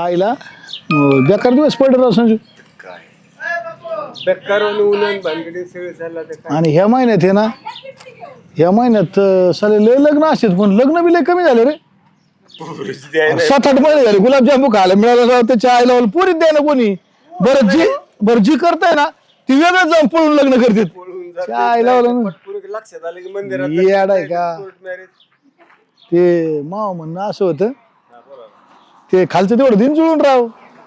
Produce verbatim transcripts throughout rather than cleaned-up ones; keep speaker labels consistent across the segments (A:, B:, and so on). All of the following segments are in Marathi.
A: आईला बेकार दिवस पडले राव संजू. आणि ह्या महिन्यात आहे ना ह्या महिन्यात साले लय लग्न असतात पण लग्न बी लय कमी झाले रे. सात आठ महिने झाले गुलाबजामू खायला मिळाला त्याच्या आईला पुरीत द्याय ना कोणी. बरं जी बरं जी करताय ना ती वेगळं जाऊन पळून लग्न करतात. आईला
B: लक्षात आलं की मंदिरात
A: येड आहे का ते माव म्हणणं असं होतं ते खालचं तेवढं दिन जुळून राव.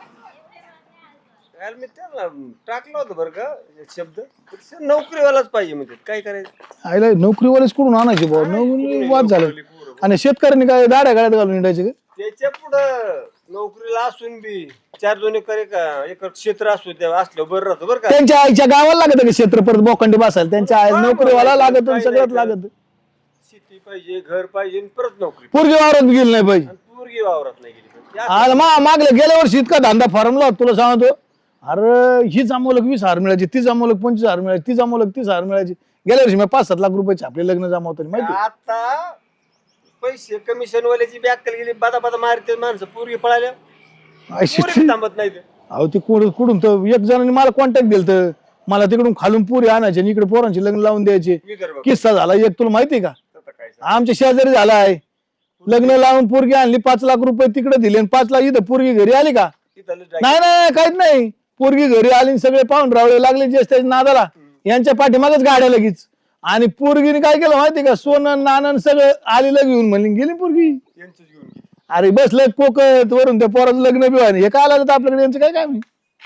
B: मी त्याला टाकलं होतं बरं का शब्द नोकरीवालाच पाहिजे म्हणजे काय करायचं.
A: आईला नोकरीवालेच कुठून आणायचे भाऊ नोकरी वाद झालं. आणि शेतकऱ्यांनी काय दाड्या गाड्यात घालून हिंडायचे का.
B: त्याच्या पुढं नोकरीला असून बी चार दोन एकर एकर क्षेत्र असू त्या असलं बरं राहतं बरं का.
A: त्यांच्या आईच्या गावाला लागत का क्षेत्र परत बोखंडी बसायला त्यांच्या आई नोकरीवाला लागत सगळ्यात लागत.
B: शेती पाहिजे घर पाहिजे परत नोकरी.
A: पोरगी वावरात गेली नाही पाहिजे
B: पोरगी वावरात नाही गेली
A: आज मा मागल्या गेल्या वर्षी इतका धंदा फॉर्मला तुला सांगतो. अरे ही जमावलक वीस हजार मिळायची ती जमावलक पंचवीस हजार मिळायची ती जमावलक तीस हजार मिळायची. गेल्या वर्षी मी पाच सात लाख रुपयाचे आपले लग्न जमावतो माहिती.
B: आता पैसे कमिशन वाल्याची बॅकल गेली बादा बादा मारते माणसं पोरगी पळाल्या थांबत नाही.
A: अहो ते कुठून तर एक जणांनी मला कॉन्टॅक्ट दिलं तर मला तिकडून खालून पुरी आणायचे आणि इकडे पोरांचे लग्न लावून द्यायचे. किस्सा झाला एक तुला माहिती का आमच्या शेजारी झाला आहे. लग्न लावून पोरगी आणली पाच लाख रुपये तिकडे दिले आणि पाच लाख इथं पोरगी घरी आली का. नाही नाही काहीच नाही पोरगी घरी आली सगळे पाहून रावळे लागले जे त्याच्या नादाला यांच्या पाठीमागच गाड्या लगेच. आणि पोरगीने काय केलं माहिती का सोनं नाणं सगळं आलेलं घेऊन म्हणली गेली पोरगी. अरे बसलं कोकत वरून त्या पोराचं लग्न बी व्हायला हे काय आलं तर आपल्याकडे यांचं काय काम.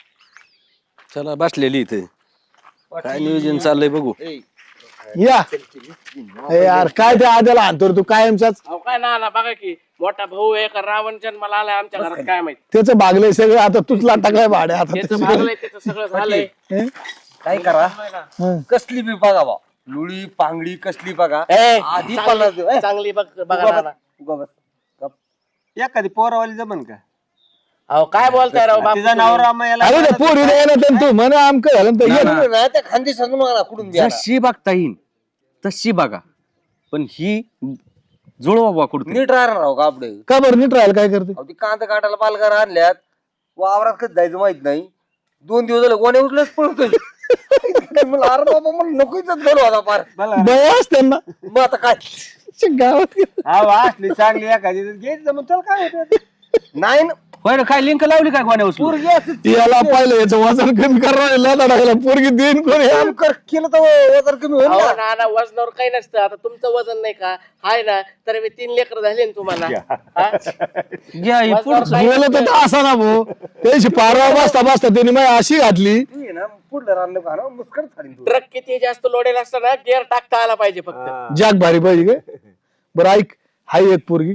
C: चला बसलेली इथे काय नियोजन चाललंय बघू.
A: या यार काय ते आद्याला आणतो तू कायमचाच.
D: काय ना ना बघा की मोठा भाऊ एक रावण जन्माला आलाय आमच्या घरात काय माहिती.
A: त्याचं भागलंय सगळं आता तुझला टाकलाय भाड्या आता
D: त्याचं भागलंय त्याचं सगळं झालंय.
E: काय करा कसली बी बघा बा लुळी पांगडी कसली बघा आधी
D: चांगली- चांगली बघ बघा ना ना.
B: एखादी पोरावाली जमन का.
D: अहो काय बोलताय राव बाप.
B: तिचा नवरा मग याला
A: अरे ते पोरी द्यायला तर तू म्हण आमकं झालं तर ये.
E: त्या खांदी सांगू नका कुठून द्या
C: जशी बघता येईल तशी बघा पण ही जुळवा बा कुठे
E: नीट राहणार राव का आपले
A: का बरं नीट राहायला काय करते.
E: ती कांदा काटायला पालकार आणल्यात वावरात कधी जायचं माहित नाही. दोन दिवस झाले कोणी उठलंच पळतोय. मला अरे बाबा मला नकोच घालू आता पार
A: बस त्यांना
E: मग आता काय
A: गावात
B: हा असली चांगली एखादी घ्यायची जमून त्याला काय होतं.
E: नाही ना
C: होय काय लिंक लावली काय कोण्या उचलून?
E: पोरगी असं
A: याला पाहिलं याचं वजन कमी करायला टाकायला पोरगी देईन कोणी.
E: काम कर केलं तर वजन कमी होईल
D: अहो
E: ना.
D: ना ना वजनावर काही नसतं. आता तुमचं वजन नाही का हाय ना तर मी तीन लेकर झाले ना तुम्हाला हा?
C: घ्या हे पुढं.
D: वजनावर काही
A: बोलत
D: नसतं.
A: होता असा ना भाऊ त्याची पारवा बसता बसता त्यांनी मग अशी घातली.
E: तू ये ना पुढलं रान का ना मुस्कट फाडीन तू.
D: ट्रक किती जास्त लोडेल असतं ना गेअर टाकता आला पाहिजे फक्त.
A: जाग भारी पाहिजे काय. बरं ऐक हाय एक पोरगी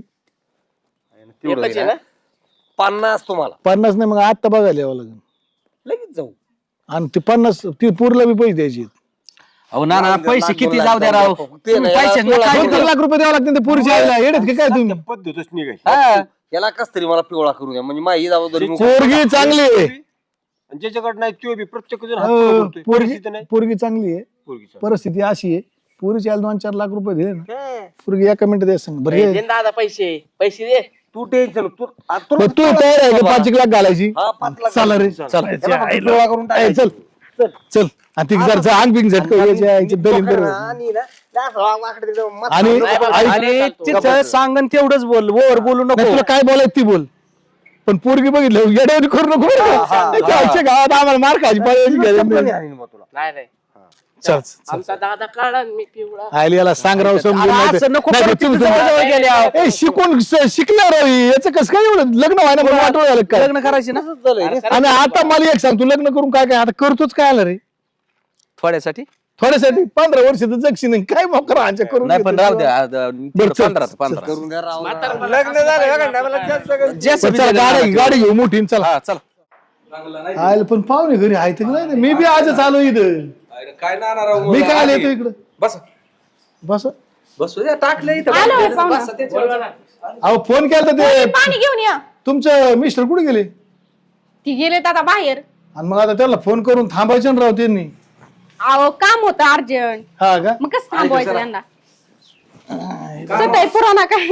D: एकच आहे ना.
E: पन्नास तुम्हाला
A: पन्नास नाही मग आत्ता बघायला यावं लागेल.
E: लगेच जाऊ
A: आणि ते पन्नास ती पूरला बी पैसे द्यायचे.
C: अहो ना ना पैसे किती जाऊ द्या राव.
E: ते नाही,
C: पैसे
E: याला
C: नका
A: दोन तीन लाख रुपये द्यावं लागते पुरीच्या आईला येडत की काय तुम्ही.
B: पद्धतच निघाय
E: हा, याला कस तरी मला पिवळा करून द्या म्हणजे माझी जबाबदारी मी-
A: पोरगी चांगली आहे.
B: ज्याच्याकडे नाही तो बी प्रत्येक जण हात
A: हो,
B: पुढं करतोय.
A: पोरगी
B: परिस्थिती नाही
A: पोरगी चांगली आहे.
B: पोरगीचं.
A: परिस्थिती अशी आहे पोरीची आईला दोन चार लाख रुपये दिले ना पोरगी एका मिनिटात द्या सांग बरं
D: दे
A: ये.
D: ना दादा पैसे पैसे दे.
E: तू टेन्शन तू आ, तू-
A: बरं, तू तयार आहे का पाच एक लाख घालायची.
E: हा, पाच लाख
A: चला रे
E: चला.
A: चल
E: याला फक्त पिवळा करून
A: ए,
E: टाकायचं.
A: चल चल चल आणि ती जरचं अंग बिंग झटक यायच्या आईचं दलील
E: आणि
A: बरोबर.
E: ना, जास्त वाकडं तिकडं मत-
A: आणि
D: नाही बाबा,
A: आई-
C: आणि तिचं सांगन तेवढंच बोल वर बोलू
A: नाही,
C: नको.
A: तुला काय बोलायचं ती बोल पण पोरगी बघितलं येड्यावरी करू नको बरं का? त्याच्या आईच्या गावात आम्हाला मार खायची पाहिजे
E: चप्पल आणीन मग तुला.
D: नाही नाही
A: चल चल.
D: आमचा दादा काढा मी पिवळा.
A: आयला याला सांग राव समजून
C: अरे
A: नाही तर-
C: असं नको
A: नाही तर
C: करू,
A: तुम्ही-
C: तिथं जवळ गेले आहो.
A: ए, शिकून शिकणार याचं कसं काय एवढं लग्न व्हायला पण वाटवं झालं काय.
C: लग्न करायचे ना
E: तसंच झालंय रे.
A: आणि आता मला एक सांग तू लग्न करून काय काय आता करतोच काय आलं रे
C: थोड्यासाठी
A: थोड्यासाठी पंधरा वर्ष तर जगशी नाही काय मोकर आमच्या करून
C: नाही पण
A: घेतो.
C: राहू द्या
A: बरं, चल,
C: पंधरा
A: चल,
C: पंधरा
E: करून द्या राव.
B: लग्न झालं बघा ना, मला जास्त सगळं-
C: जे
A: पण चला, गाडी गाडी घेऊ मोठी चला
C: हा चला.
A: आयला पण पाहुणे घरी आहे तर नाही मी बी आजच आलो इथं.
C: काय ना राव
A: मी काय आलो येतो इकडं
C: बस
A: बस
C: बसू द्या टाकलं इथं
F: आलो पाहुणा.
C: बस, त्याच्यावर.
A: अहो फोन केला तर ते
F: पाणी घेऊन या.
A: तुमचं मिस्टर कुठे गेले
F: ती गेलेत आता बाहेर.
A: आणि मग आता त्याला फोन करून थांबायचं ना राव त्यांनी.
F: अहो काम होतं अर्जंट.
A: हा का
F: मग कसं थांबवायचं त्यांना. सताय पुराणा काय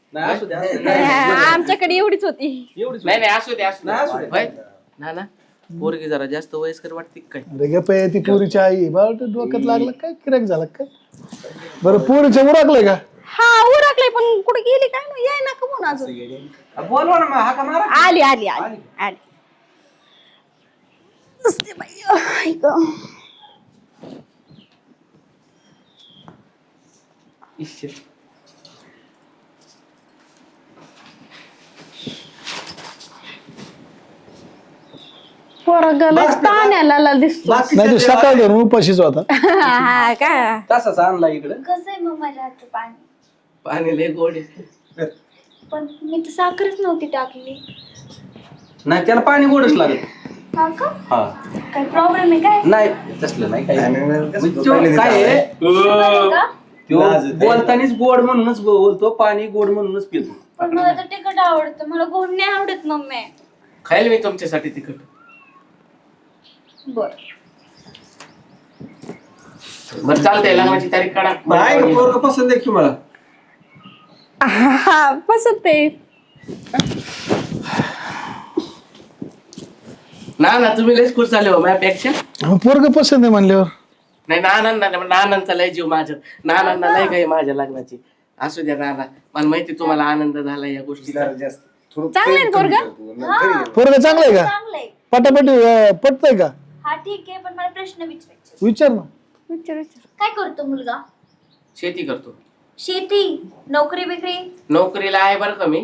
F: आमच्याकडे एवढीच होती.
D: नाही नाही असू दे असू दे होय? ना ना पोरगी जरा जास्त वयस्कर वाटते का काय?
A: अरे गप आहे, ती पोरीची आई बाबा डोक्यात लागलं काय किराक झालं काय. बरं पोरीचं उरकलंय का?
F: हा उरकले पण कुठे गेली काय नाही याय ना कमून अजून.
E: बोलवा ना मग, हाका मारा.
F: आली आली आली आली. नसते बाई, आई गं.
D: इश्श.
F: पोरगलच पाण्याला दिसतो.
A: नाही तो सकाळ धरून उपाशीच होता.
F: हा का
C: तसाच आणला इकडं.
G: कसं आहे मग माझ्या हातचं पाणी?
D: पाणी लय गोड आहे.
G: पण मी तर साखरच नव्हती टाकली.
C: नाही त्याला पाणी गोडच लागत.
G: हा का?
C: हा
G: काय प्रॉब्लेम आहे काय?
C: नाही तसलं नाही काही.
E: नाही, नाही, कसं
C: तो
E: तो पहिले
C: काय आहे,
G: शुगर आहे का?
C: तो
E: लाज आहे.
C: बोलतानीच गोड म्हणूनच बोलतो, पाणी गोड म्हणूनच पितो.
G: पण मला तर तिखट आवडतं, मला गोड नाही आवडत मम्मी.
D: खायला मी तुमच्यासाठी तिखट.
G: बर
D: बरं चालतंय लग्नाची तारीख काढा.
B: नाही पोरग पसंत आहे की मला.
F: हा पसंत आहे.
D: ना ना तुम्ही लयच खुश झाले हो माझ्यापेक्षा.
A: पोरग पसंत आहे म्हणल्यावर
D: नाही नानांना नानांचा लय जीव माझ्यात. नानांना लय काही माझ्या लग्नाची. असू द्या नाना, मला माहिती तुम्हाला आनंद झाला या गोष्टीचा.
E: जास्त थोडं
F: चांगलं आहे
E: प्रेम
F: पोरगं?
E: कमी करतो. घरी ये.
A: पोरग चांगलं आहे का?
G: चांगलंय.
A: पटापटी अं, पटतंय का?
G: हा ठीक आहे, पण मला प्रश्न विचारायचे.
A: विचार ना.
F: विचार विचार.
G: काय करतो मुलगा?
D: शेती करतो.
G: शेती? नोकरी बिकरी?
D: नोकरीला आहे बरं का मी.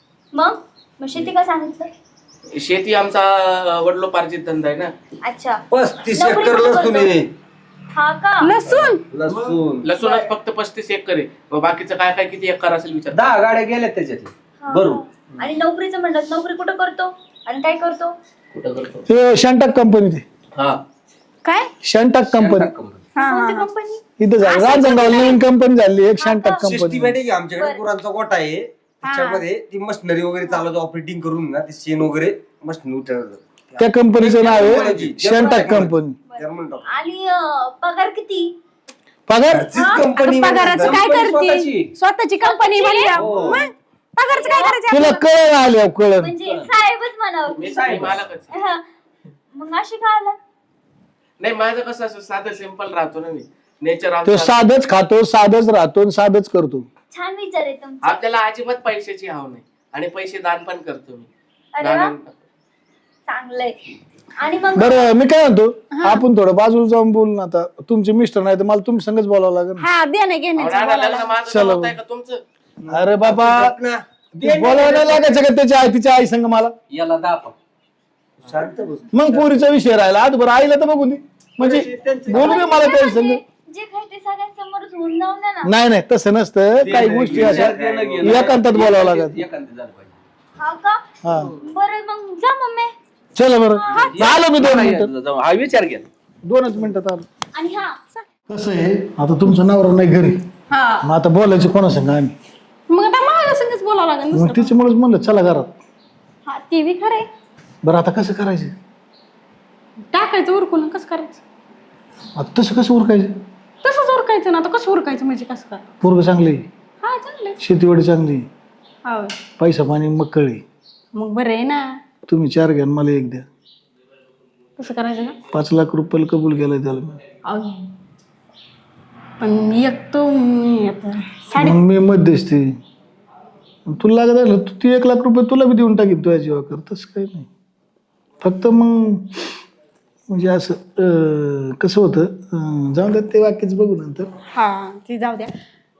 G: मग मग शेती का सांगितलं?
D: शेती आमचा वडिलोपार्जित धंदा आहे ना.
G: अच्छा.
E: पस्तीस
G: नोकरी
E: एकर
G: कुठं
E: लसूण
G: करतो?
E: आहे.
G: हा का?
F: लसूण
E: लसूण
D: लसूणच फक्त पस्तीस एकर आहे. मग बाकीचं काय काय किती एकर असेल विचार.
C: दहा गाड्या गेल्या त्याच्यात.
G: हा.
C: बरोबर.
G: आणि नोकरीचं म्हणलं, नोकरी कुठं करतो आणि काय करतो?
D: कुठं करतो?
A: ते शंटाक कंपनी ते
D: हा
F: काय
A: शंटाक कंपनी
F: हा
G: कोणती कंपनी?
A: इथं झाली राजनगाव नवीन कंपनी झाली एक शंटाक
E: सिस्टीम
A: कंपनी.
E: आहे की आमच्याकडे गुरांचा गोठा आहे. त्याच्यामध्ये ती मशिनरी वगैरे चालवतो, ऑपरेटिंग करून ना ते शेण वगैरे मशीन उतरवतात.
A: त्या कंपनीचं नाव आहे शंटाक कंपनी.
E: German doctor.
G: आणि अं, पगार किती?
A: पगार
E: कंपनी
F: पगाराचं काय करते?
C: स्वतःची.
F: स्वतःची कंपनी म्हणल्या मग पगारचं काय करायचं
A: तुला
F: आपल्याला?
A: कळण आल्या कळण.
G: म्हणजे साहेबच म्हणावं.
D: मी साहेब मालकच.
G: हा. मग अशी का आला?
D: नाही माझं कसं असं साधं सिंपल राहतो ना मी. नेचर
A: तो
D: आमचं.
A: साधच खातो साधच राहतो आणि साधच करतो.
G: छान विचार आहे तुमचा.
D: आपल्याला अजिबात पैशाची हाव नाही आणि पैसे दान पण करतो मी.
G: अरे वा,
D: दान-
G: चांगलंय. आणि मग
A: बरं मी काय म्हणतो आपण थोडं बाजूला जाऊन बोलू ना आता. तुमचे मिस्टर नाही तर मला तुमच्या संगच बोलावं लागेल.
F: हा देणं
D: अहो,
F: घेण्याचं
D: नाना,
F: बोलायला.
D: लग्न माझं
A: चला.
D: जमत आहे का तुमचं?
A: अरे बाबा
E: ना
A: बोलावं नाही लागायचं का त्याच्या आई तिच्या आई संग मला.
C: याला दापा.
E: शांत बस.
A: मग पोरीचा विषय राहिला आज बरं आईला तर बघून दे म्हणजे बोलू दे मला त्या संग.
G: जे काही ते सगळ्यांसमोरच होऊन जाऊन द्या ना.
A: नाही नाही तसं नसतं काही गोष्टी अशा एकांतात बोलावं लागत.
C: एकांत झालं पाहिजे.
G: हा का?
A: हा
G: बरं मग जा मम्मी.
A: चला बरं आलो मी दोन मिनिटात.
C: जाऊ, हा विचार घ्या.
A: दोनच मिनिटात आलो.
G: आणि हा
A: कसं आहे आता तुमचं नवरा नाही घरी
F: हा
A: मग आता बोलायचं कोणा संग आम्ही.
F: मग आता मला संगच बोलावं लागेल
A: मग
F: दुसरं.
A: तिच्यामुळेच म्हणलं चला घरात.
F: हा ती बी खरे
A: बरं आता कसं करायचं
F: टाकायचं उरकून कसं करायचं?
A: आता तसं कसं उरकायचं.
F: तसंच उरकायचं ना आता कसं उरकायचं म्हणजे कसं काय?
A: पोरग चांगली
F: हा चांगलं
A: शेतीवाडी चांगली
F: हा
A: पैसा पाणी मक्कळी.
F: मग बरं आहे ना.
A: तुम्ही चार घ्या आणि मला एक द्या.
F: कसं करायचं का?
A: पाच लाख रुपयाला कबूल केलं त्याला मी.
F: अहो. पण मी एक तो मी आता साडे
A: मग मी मध्यस्थी तुला लागत आलं तू ती एक लाख रुपये तुला बी देऊन टाकीत तुझ्या जीवाकर तसं काही नाही. फक्त मग म्हणजे असं अं, कसं होतं अं, जाऊन द्या ते वाक्यच बघू नंतर.
F: हा ती जाऊ द्या.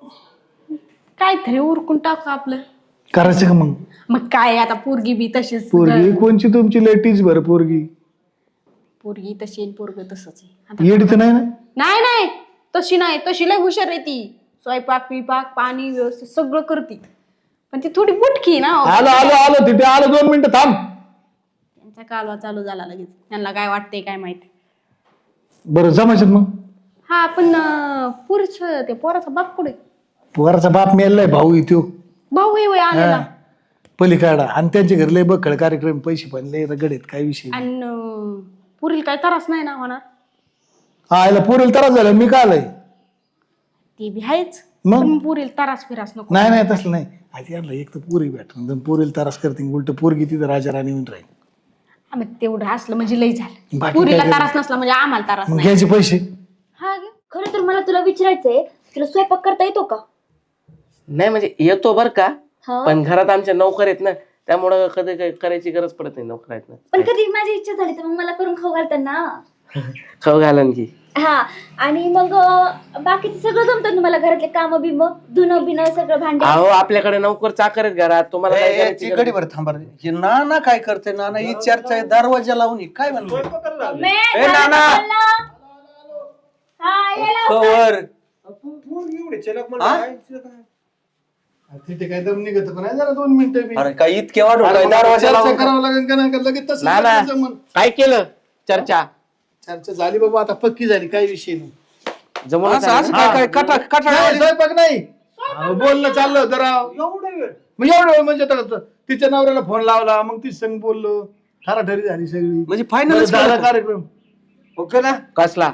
F: काहीतरी उरकून टाकू आपलं.
A: करायचं का मग.
F: मग काय आता पोरगी बी तशीच
A: पोरगी कोणची तुमची लेटीच बरं पोरगी
F: पोरगी तशी आणि पोरग तसंच आहे. आता
A: येडी तर नाही ना.
F: नाही नाही तशी नाही तशी लय हुशार आहे ती. स्वयंपाक पिपाक पाणी व्यवस्थित सगळं करते. पण ती थोडी बुटकी ना.
A: आलो आलो आलो तिथे आलो दोन मिनिटं थांब.
F: त्यांचा कालवा चालू झाला लगेच. त्यांना काय वाटतंय काय माहिती.
A: बरं जमायचं मग.
F: हा पण पुरुष ते पोराचा बाप कुठे?
A: पोराचा बाप मेलाय भाऊ इथो
F: भाऊ आहे वय आलेला.
A: पलीकडा आणि त्यांच्या घरी लय बखळ कार्यक्रम पैसे पण लय रगडेत काय विषय नाही.
F: आणि पुरील काय त्रास नाही ना होणार.
A: हा याला पोरेल त्रास झाला मी का आलाय.
F: ती बी आहेच.
A: मग
F: पण पुरेल तरास फिरास नको.
A: नाही नाही तसलं नाही. आधी यांना एक तर पोरी भेटून पोरीला त्रास करते, उलट पोरगी तिथं राजा राणी म्हणून राहील.
F: आम्ही तेवढं असलं म्हणजे लई झालं.
A: बाकी
F: पुरीला
A: काय
F: तरास नसला म्हणजे आम्हाला तरास
A: मग
F: नाही.
A: घ्यायचे पैसे.
F: हा घे.
G: खरं तर मला तुला विचारायचंय, तुला स्वयंपाक करता येतो का?
D: नाही म्हणजे येतो बर का,
G: हा.
D: पण घरात आमच्या नोकर आहेत ना, त्यामुळं कधी काही करायची गरज पडत नाही. नोकर आहेत ना,
G: पण कधी माझी इच्छा झाली तर मग मला करून खाऊ घालतात ना.
D: खाऊ घालन की.
G: हा, आणि मग अं, बाकीचं सगळं जमतं तुम्हाला, घरातले काम बिम, धुणं बिणं सगळं, भांडे.
D: अहो आपल्याकडे नोकर चाकर आहेत घरात, तुम्हाला काय करायची
H: ती
D: गरज
H: गडीभर थांबा रे. हे नाना काय करते? नाना ही चर्चा दरवाजा लावून ही काय म्हणतो?
B: स्वयंपाकाला लागले.
G: मे,
H: ए,
G: झालं
H: नाना.
G: का बोलणं? हा, ये लवकर.
H: कवर
B: पोरगी एवढी चलक म्हणलं,
H: हा?
B: काय तिचं काय?
A: तिथे काय दम निघत का नाही? जरा दोन मिनिटं बी.
H: अरे काय इतके वाढू
A: अरे
H: काय
A: मग
H: दरवाजा
A: चर्चा
H: लावून?
A: करावं लागेल का नाही का? लगेच तसं
D: ना, ना.
A: जमन.
D: काय केलं चर्चा
A: चर्चा झाली बाबा, आता पक्की झाली, काही विषय नाही.
D: जमून
H: असं असं काय काय कटा
A: नाही,
H: कटा
A: स्वयंपाक नाही. अहो, बोलणं चाललं होतं राव.
B: एवढा वेळ
A: मग एवढं वेळ म्हणजे आता तिच्या नवऱ्याला फोन लावला, मग ती संग बोललो, ठराठरी झाली सगळी.
H: म्हणजे
A: बरं,
H: फायनल
A: झाला कार्यक्रम.
H: ओके ना?
D: कसला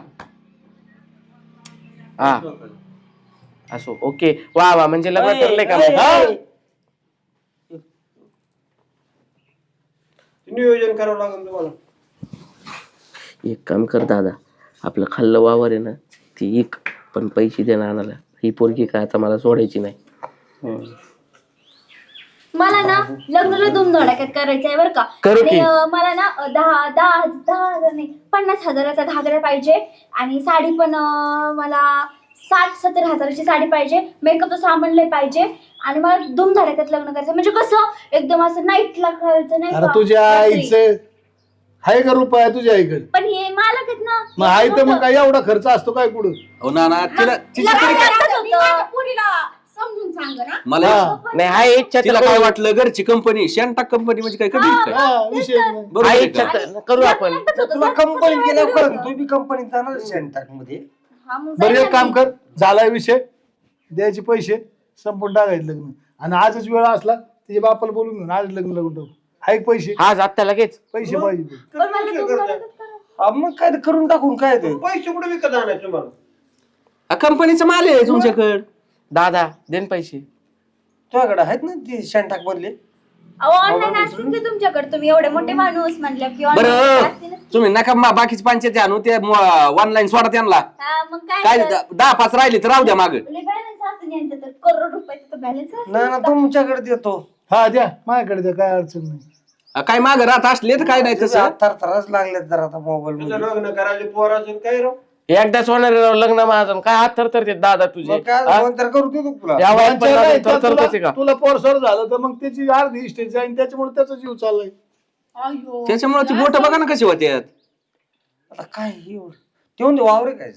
D: हा असो. ओके, वा वा, म्हणजे लग्न ठरलंय का मग? हा?
B: नियोजन करावं लागेल तुम्हाला.
D: एक काम कर दादा, आपलं खाल्लं वावर आहे ना ती एक, पण पैसे दे ना आणायला. ही पोरगी काय आता मला सोडायची नाही.
G: मला ना लग्नाला दोन धडाक्यात करायचंय बरं का.
D: करू
G: आणि
D: की?
G: अं, मला ना अं, दहा दहा दहा हजार नाही, पन्नास हजाराचा घागरा पाहिजे, आणि साडी पण अं, मला साठ सत्तर हजाराची साडी पाहिजे, मेकअपचं सामान लय पाहिजे, आणि मला दोन धडाक्यात लग्न करायचं, म्हणजे कसं एकदम असं नाईटला करायचं नाही
A: अरे
G: का,
A: तुझ्या
G: रात्री.
A: आईचं आहे का रुपया तुझ्या आईकडे?
G: पण हे मालक आहेत ना.
A: मग आई तर मग काय एवढा खर्च असतो काय कुठं?
H: हो नाना तिला तिच्या
G: लग्न
H: तरी काय-
G: करताच होतं.
F: पुरीला समजून सांग ना.
H: मला
A: हा.
D: नाही हा इच्छा
H: तिला काय वाटलं घरची कंपनी शेंटाक कंपनी म्हणजे काय कधी काय
A: हा, विषय नाही.
H: बरोबर
D: हा
H: आहे
D: इच्छा
H: का?
D: तर करू आपण.
G: करताच होतं.
E: तुला
G: सारखं
E: कंपनी
G: सगळं
E: केलं
G: वेगळं
E: कळत,
G: होतं.
E: तू बी कंपनीत जाणार शेंटाक मध्ये.
G: हा, मग
A: बरं
G: जायला
A: एक काम
G: नाही.
A: कर, झालाय विषय, द्यायचे पैसे संपून टाकायचे लग्न, आणि आजच वेळ असला तिच्या बापाला बोलून घेऊन आज लग्न लागून टाकू. आहे का पैसे?
D: आज आत्ता लगेच
A: पैसे पाहिजे.
G: पण मला दोन धडाक्यात करा.
E: हा, मग काय ते करून टाकून काय ते.
B: पैसे कुठे विकत आणायचे तुम्हाला?
H: कंपनीचा माल आहे तुमच्याकडे.
D: दादा देन पैसे.
E: तुझ्याकडे आहेत ना ती शेंटाक मधले?
G: अहो ऑनलाईन असतील की तुमच्याकडे, तुम्ही एवढे मोठे माणूस म्हणल्या की online
H: बरं
G: असतीलच की.
H: तुम्ही नका मा- बाकीचे पंचायती आणू ते ऑनलाईन सोडा त्यांना.
G: हा, मग काय
H: काय
G: तर.
H: द- दहा पाच राहिले तर राहू द्या माग.
G: लय balance असतं यांचं तर, करोड रुपयाचं बॅलन्स
E: ना ना तुमच्याकडे देतो.
A: हा द्या, माझ्याकडे द्या, काय अडचण नाही.
H: काय माग राहत असले तर काय नाही तसं.
E: थर थरच लागलेत जरा आता मोबाईल
B: तुझं
E: मध्ये.
B: लग्न करायचे पोराचं काय राव?
D: एकदाच होणार आहे राव लग्न माझं. काय हात थरथरते दादा तुझे.
E: मग काय
D: हा?
E: फोन तर करू देतो तुला.
D: या वयात पण
A: नाही,
D: दादा
A: तर
D: थरथरतेच आहे
A: तुला
D: का?
A: तुला पोरसोर झालं तर मग त्याची अर्धी इस्टेट जाईल, त्याच्यामुळे त्याचा जीव चाललाय.
F: अय्यो.
H: त्याच्यामुळे ती बोट बघा ना कशी होत्यात.
E: आता काय हे एवढं? तेवढं ते वावर काय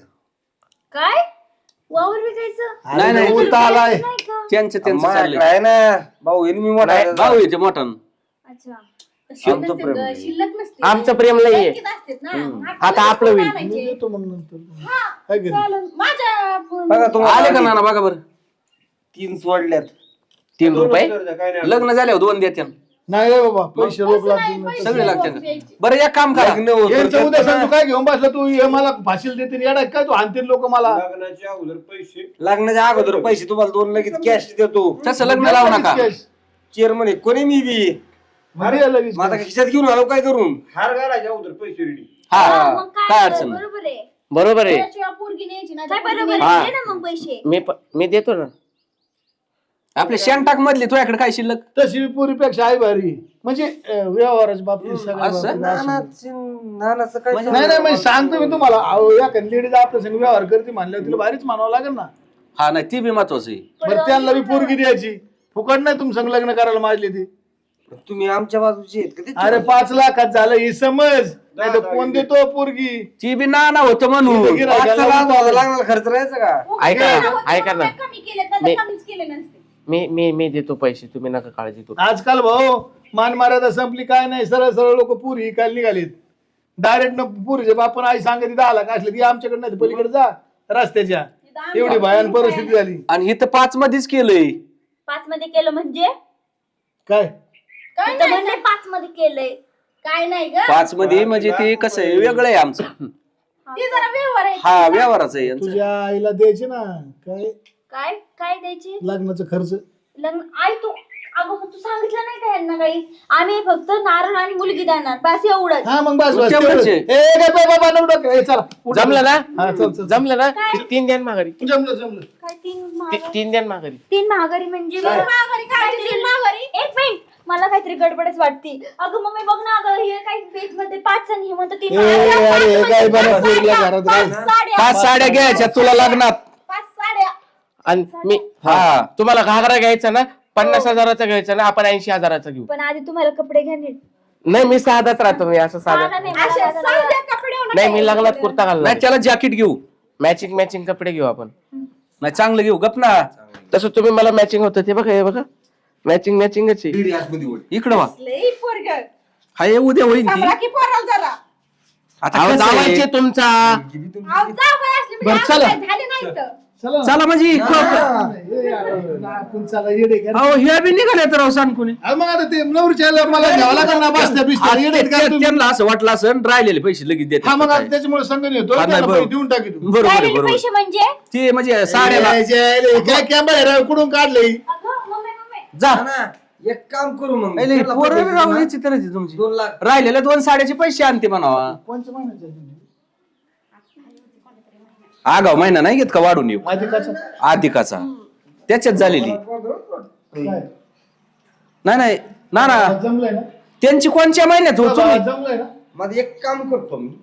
G: काय वावर विकायचं?
H: नाही नाही
A: उलटा आलाय.
G: नाही का?
H: त्यांचं त्यांचं चाललंय.
E: आहे ना भाऊ हे मी मोठा आहे.
H: भाऊ येते मोठा.
G: अच्छा.
E: आमचं प्रेम आहे.
F: शिल्लक नसते.
D: आमचं प्रेम लई आहे.
F: बँकेत असतेत ना. मग
D: आता आपलं होईल.
A: मी
F: आणायचे.
A: देतो मग नंतर.
F: हा,
A: काय करेल?
F: चालेल. माझ्या
E: बघा तुम्हाला
H: आले का नाना बघा बरं.
E: तीन सोडल्यात.
D: तीन रुपये
B: काय नाही.
H: लग्न झाल्यावर दोन देत्या.
A: नाही रे बाबा, पैसे रोख लागतील
F: पैसे
A: नंतर.
H: सगळे लागते
F: रोख द्यायचे.
H: बरं एक काम करा.
E: लग्न होतं
A: यांचं
E: तर
A: उद्या सांग, तू
E: ना.
A: काय घेऊन बसला तू? हे मला फाशील देतील, येडा काय तू? आणतील लोक मला.
B: लग्नाच्या अगोदर पैसे
E: लग्नाच्या अगोदर पैसे तुम्हाला दोन लगेच कॅश देतो.
H: तसं लग्न लावू नका.
E: चेअरमन आहे कोणी मी बी.
A: भारी आहे लगेच.
E: माझा खिशात घेऊन आलो काय करून.
B: हार घालायच्या अगोदर पैसे रेडी.
H: हा
G: हा, मग
H: काय
G: काय
H: अडचण
G: तर,
H: नाही.
G: बरोबर आहे.
D: बरोबर आहे.
F: त्याशिवाय पोरगी न्यायची नाही.
G: काय
F: पोरगी
G: बरोबर
F: न्यायची.
G: आहे,
D: हा.
G: दे ना मग पैसे.
D: मी प- मी देतो ना.
H: आपले शेंटाक मधले तुझ्याकडे काय शिल्लक.
A: तशी पुरीपेक्षा आहे भारी, म्हणजे अं, व्यवहाराच्या बाबतीत सगळ्या
H: असं?
A: बाबतीत असं.
E: नानाचं- नानाचं काय
H: म्हणजे-
A: नाही नाही म्हणजे सांगतो मी तुम्हाला, अहो, या लेडीज आपल्या संग व्यवहार करते म्हणल्यावर तिला भारीच मानावं लागेल ना.
H: हा नाही ती बी महत्वाचं आहे.
A: बरं त्यांना बी पोरगी द्यायची, फुकट नाही तुम संग लग्न करायला माजली ती.
E: तुम्ही आमच्या बाजूचे आहेत का ते?
A: अरे पाच लाखात झालं ही समज, नाही तर कोण देतो पोरगी?
H: ती बी नाना होतं म्हणून.
A: इथं गिऱ्हाईकाला
E: पाच लाख भावाला लागणार खर्च राहायचा का?
D: ऐका
F: पोरगी
D: ना,
F: होती
D: ऐका ना.
F: म्हणून कमी केले तर
D: मी-
F: कमीच केले नसते.
D: मी मी मी देतो पैसे, तुम्ही नका काळजी करू.
A: आजकाल भाऊ मान मर्यादा संपली, काय नाही, सरळ सरळ लोक पुरी काल निघालीत. डायरेक्ट न पुरीचे बापन आई सांगते दहा लाख असले ती आमच्याकडे नाही, पलीकडे जा रस्त्याच्या. एवढी भयान परिस्थिती झाली.
H: आणि इथं पाच मध्येच केलंय.
G: पाच मध्ये केलं म्हणजे?
A: काय
F: काय
G: इथं
F: नाही,
G: म्हणले पाच मध्ये केलंय.
F: काय नाही ग.
H: पाच मध्ये म्हणजे ते कसं आहे वेगळं आहे आमचं.
F: ती जरा व्यवहार आहे.
H: हा व्यवहाराचं आहे यांचं.
A: तुझ्या आईला द्यायचे ना काय?
G: काय काय द्यायचे
A: लग्नाचा खर्च.
G: लग्न आई तू अगं तू सांगितलं नाही का यांना काही आम्ही फक्त नारळ आणि मुलगी देणार बस एवढंच
A: हा मग बस बस
C: तेवढंच आहे.
A: तेवढंच. ए, काय बाबा नको डोकं. ए, चला उठ.
C: जमलं ना
A: हा चल चल
C: जमलं ना तीन द्या माघारी
A: जमलं जमलं.
G: काय तीन
C: ती-
G: महागारी
C: तीन द्या माघारी
G: तीन महागारी म्हणजे तीन महागारी एक मिनिट मला काहीतरी गडबडच वाटती अगं मम्मी बघ ना अगं हे काही बेट मध्ये पाच आणि हे म्हणतं तीन
A: ए,
G: महागारी.
A: अरे, हे
G: पाच
A: काय
G: म्हणजे
A: बरं
G: पाच
A: पोरीला
G: साड्या,
A: घरात
G: पाच
A: घाल.
G: साड्या.
C: पाच साड्या घ्यायच्या तुला लग्नात
G: पाच साड्या
C: आणि मी हा तुम्हाला घागरा घ्यायचा ना पन्नास हजाराचा घ्यायचा ना आपण ऐंशी हजाराचा घेऊ.
G: पण आधी तुम्हाला कपडे घ्या नीट
C: नाही मी साधाच राहतो मी असं
G: साधा
C: साधा
G: नाही मला साधा कपडे होणार
C: नाही मी लग्नात कुर्ता घालणार
E: नाही त्याला जॅकेट घेऊ.
C: मॅचिंग मॅचिंग कपडे घेऊ आपण.
E: नाही चांगलं घेऊ गप ना.
C: तसं तुम्ही मला मॅचिंग होतं ते बघा हे बघा मॅचिंग मॅचिंगच आहे.
E: इकडं वा
F: लई पोरग
E: हा ये उद्या होईल ती.
F: सांभाळा की पोराला जरा.
E: आता
C: अहो,
E: कसं आहे?
C: जावायचे तुमचा
F: अहो, जाऊ काय असली म्हणजे
E: बरं,
F: आम्हाला
E: चला.
F: काय झाले नाही तर.
A: चला
E: चला म्हणजे
A: ए, आपण चला येडे का?
E: अहो हे बी निघाले तर अहो सांगून
A: हा, मग आता ते नवरीच्या मला घ्यावं लागेल ना बसत्या बिसत्या येडे आहेत का तुम्ही?
E: त्यांना असं वाटलं असं राहिलेले पैसे लगेच देतात
A: हा मग
E: काय.
A: आता त्याच्यामुळे संघ येतो
E: हा, नाही,
A: त्यांना
E: बरोबर.
A: पैसे देऊन टाकी तू.
E: बरोबर आहे,
G: राहिलेले
E: बरोबर
G: पैसे म्हणजे
E: ते म्हणजे साड्याला
A: ए, जे- काय कॅमेरा कुठून काढले
G: अगं मम्मी मम्मी
E: जा
B: एक काम करू मग
E: नाही, नाही, पोरं बी राहू द्यायची तर ती तुमची
B: दोन लाख
E: राहिलेले दोन साड्याचे पैसे आणते म्हणावा.
A: कोणच्या महिन्याचे?
E: आगाव महिना नाही घेत का वाढून येऊ
A: अधिकाचं?
E: अधिकाचा त्याच्यात झालेली
A: काय?
E: नाही नाही ना ना
A: जमलंय ना?
E: त्यांची कोणत्या महिन्यात हो तुम्ही
A: जमलंय ना?
B: माझं एक काम करतो मी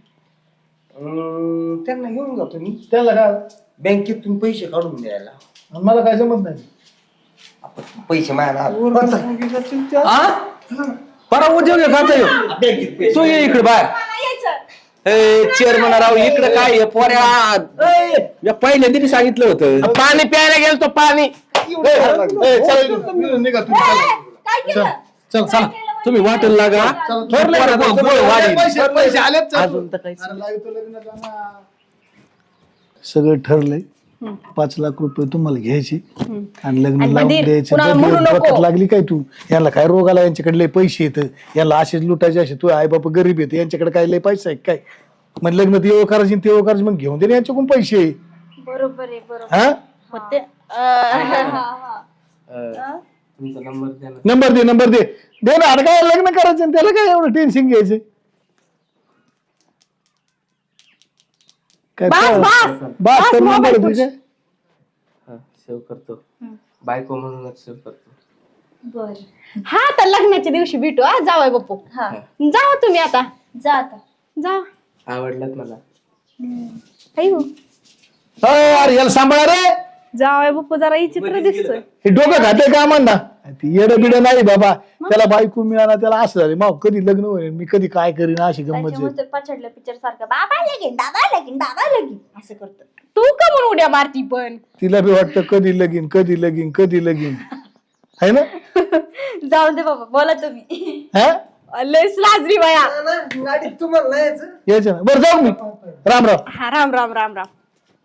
B: अं, त्यांना घेऊन जातो मी
A: त्याला काय
B: बँकेतून पैसे काढून द्यायला
A: आणि मला काय जमत नाही.
B: आपण पैसे माझ्या
E: हा परा उद्योग आहे खाता येऊ
B: बँकेत पैसे
E: तू ये इकडे बाहेर चेअरमन राव इकडे काय आहे, पोऱ्या या पहिल्यांदा मी सांगितलं होतं
C: पाणी प्यायला गेलो तो पाणी
A: ए, चला इथून. निघा तुम्ही, चला.
G: काय केलं
A: चल चला
E: तुम्ही वाटेल लागा
A: ठरलंय ना,
E: पोराचं
A: तुमचं
E: गोळ वाढेल.
A: पैसे पैसे आलेत चल.
C: अजून तर काहीच
A: अरे लावितो लग्नाला ना. सगळं ठरलंय पाच लाख रुपये तुम्हाला घ्यायचे आणि लग्न लावून द्यायचं.
F: कुणाला म्हणू
A: डोक्यात
F: नको.
A: डोक्यात लागली काय तू याला काय रोग आला यांच्याकडे लय पैसे येत याला असेच लुटायचे असे तू आई बाप गरीब येते यांच्याकडे काय लय पैसा आहे काय मग लग्न तेव्हा करायची तेव्हा करायची मग घेऊन दे ना यांच्याकडून पैसे.
G: बरोबर आहे बरोबर
A: हा
F: होते
C: तुमचा नंबर द्या ना.
A: नंबर दे नंबर दे दे ना. अरे काय लग्न करायचं आणि त्याला काय एवढं टेन्शन घ्यायचं काय
F: बस, बस.
A: बस
F: बस,
A: तर नंबर
F: मोबाईल
A: दे काय?
C: हा सेव्ह करतो बायको म्हणूनच सेव्ह करतो.
G: बर
F: हा तर लग्नाच्या दिवशी भेटू हा जावाय बापू
G: हा
F: जावा तुम्ही आता
G: जा आता
F: जा
C: आवडलं मला.
F: आई हो
A: अरे यार याला सांभाळा रे
F: जावाय बापू जरा विचित्र दिसतोय.
A: हे डोकं खाते का म्हणता ती येडं बिड नाही बाबा त्याला बायको मिळाला त्याला असं झालं मग कधी लग्न होईल मी कधी काय करीन अशी गंमत आहे.
G: त्याच्यामुळे पछाडल्या पिक्चर सारखं बाबा लगीन बाबा लगीन बाबा लगीन असं करतो
F: तू का म्हणून उड्या मारती पण
A: तिला बी वाटतं कधी लगीन कधी लगीन कधी लगीन है ना
G: जाऊ दे बाबा बोला तुम्ही
A: हा
F: लयच लाजरी बाया.
B: गाडीत तुम्हाला नाही यायचं
A: यायचं ना बरं जाऊ मी राम राम.
F: हा राम राम राम राम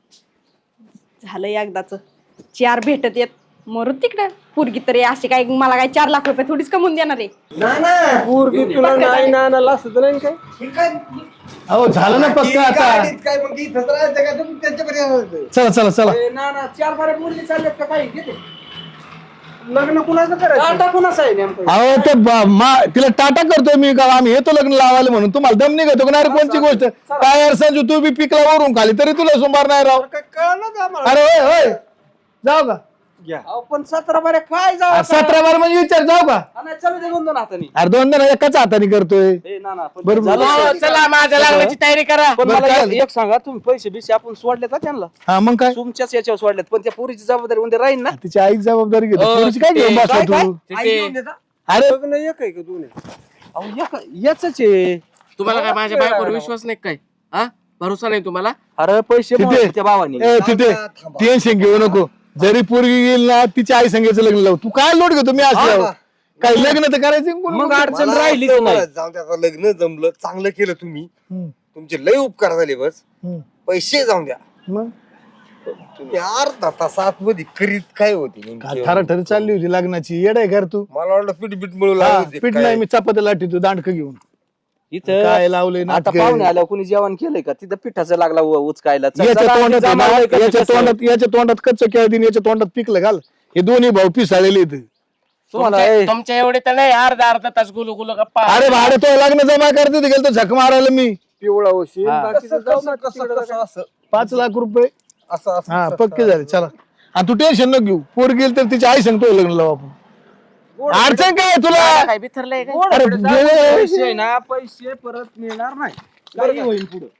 F: झालं एकदाच चार भेटत येत मरू तिकडं पोरगी तरी अशी काय मला काय चार लाख रुपये थोडीच कमवून देणार आहे.
B: ना ना
H: पूर्वी तुला नाही ना ना असं नाही काय
B: हे काय
A: अहो झालं ना पक्का आता.
B: गाडीत काय मग इथं राहायचं का तुम्ही त्यांच्याकडे
A: चला चला चला
H: ना ना चार बारा मुली चालल्यात का काही घेते लग्न कुणाचं करायचं टाटा कुणाचं आहे नेमकं
A: अहो ते ब- मा- तिला टाटा करतोय मी का आम्ही येतो लग्न लावायला म्हणून तुम्हाला दम निघतो का नाही रे कोणची गोष्ट काय यार संजू तू बी पिकला वरून खाली तरी तुला सोमवार नाही राव.
H: काय कळलं का आम्हाला
A: अरे होय होय जाऊ का
H: अहो, पण सतरा बाऱ्या काय जाऊ
A: अरे सतरा बार म्हणजे विचार जाऊ का
H: चालू दे दोन दोन हातानी
A: अरे दोन जण एकाच हाताने करतोय
H: ए ना ना पण
A: बरोबर.
H: झालं
C: हो,
H: सर.
C: चला माझ्या लग्नाची तयारी करा.
H: पण
A: बरं,
H: मला
A: काय?
H: एक- एक सांगा तुम्ही पैसे बिसे आपण सोडले का त्यांना
A: हा मग काय
H: तुमच्याच याच्यावर सोडल्यात पण त्या पोरीची जबाबदारी उद्या राहील ना
A: तिची आई जबाबदारी घेतो
C: अ,
A: पोरीची काय घेऊन
C: ते-
A: बसला
H: काय-
A: तू
C: ते-
B: आई घेऊन देता?
A: अरे
H: लग्न एक आहे का दोन आहे अहो एक याच आहे
C: तुम्हाला काय माझ्या बायकोवर विश्वास नाही काय हा भरोसा नाही तुम्हाला.
H: अरे पैसे
A: तिथे
H: मोजले त्या भावानी
A: ए, तिथे
B: थांबा.
A: टेन्शन घेऊ नको जरी पोरगी येईल ना तिच्या आई संगीचं लग्न लावू तू काय लोट घेतो मी असल्यावर काही लग्न तर करायचं कोण-
H: मग अडचण
B: मला
H: राहिलीच
B: असं
H: नाही
B: जाऊ द्या, आता लग्न जमलं चांगलं केलं तुम्ही
A: हम्म,
B: तुमचे लय उपकार झाले बस
A: हम्म.
B: पैसे जाऊन द्या
A: मग
B: तुम्ही अर्धा तासात मध्ये करीत काय होते नेमकी?
A: ठरा ठरी चालली होती लग्नाची येड आहे घर तू
B: मला वाटलं पीठ बीट मिळू
A: हा,
B: लागले
A: पीठ नाही मी चपात्या लाटी तू दांडक घेऊन
C: इथं
A: काय लावले
E: आता पाहुणे आल्यावर कुणी जेवण केलंय का तिथं पिठाचं लागला उ- उचकायला चल,
A: याच्या
E: चला,
A: तोंडात आहे ना,
E: जमावलंय कसं
A: याच्या
E: कसं.
A: तोंडात याच्या तोंडात कच्च केळदीन याच्या तोंडात पिकलं घाल. हे दोन्ही भाऊ पिसाळलेले आहेत.
E: तुम्हाला ए,
I: तुमच्या एवढे तर नाही अर्धा अर्धा तास गुलू गुलू गप्पा
A: अरे भाडे तो लग्न जमा करते गेलो तर झक मारायला मी
B: पिवळा होशील
E: हा.
B: बाकीचं जाऊ
H: कसं
B: ना
H: कसं
B: तिकडं
H: कसं असं
A: पाच लाख रुपये
H: असं असं
A: हा पक्के झाले. चला आणि तू टेन्शन न घेऊ. पोर गेली तर तिची आई सांगतो लग्न लावू आपण. अडचण काय आहे तुला?
I: काय बिथरलंय काय
B: गोड
A: अरे
B: भेटत
A: गेले.
B: पैसे ना पैसे परत मिळणार नाही काही होईल पुढे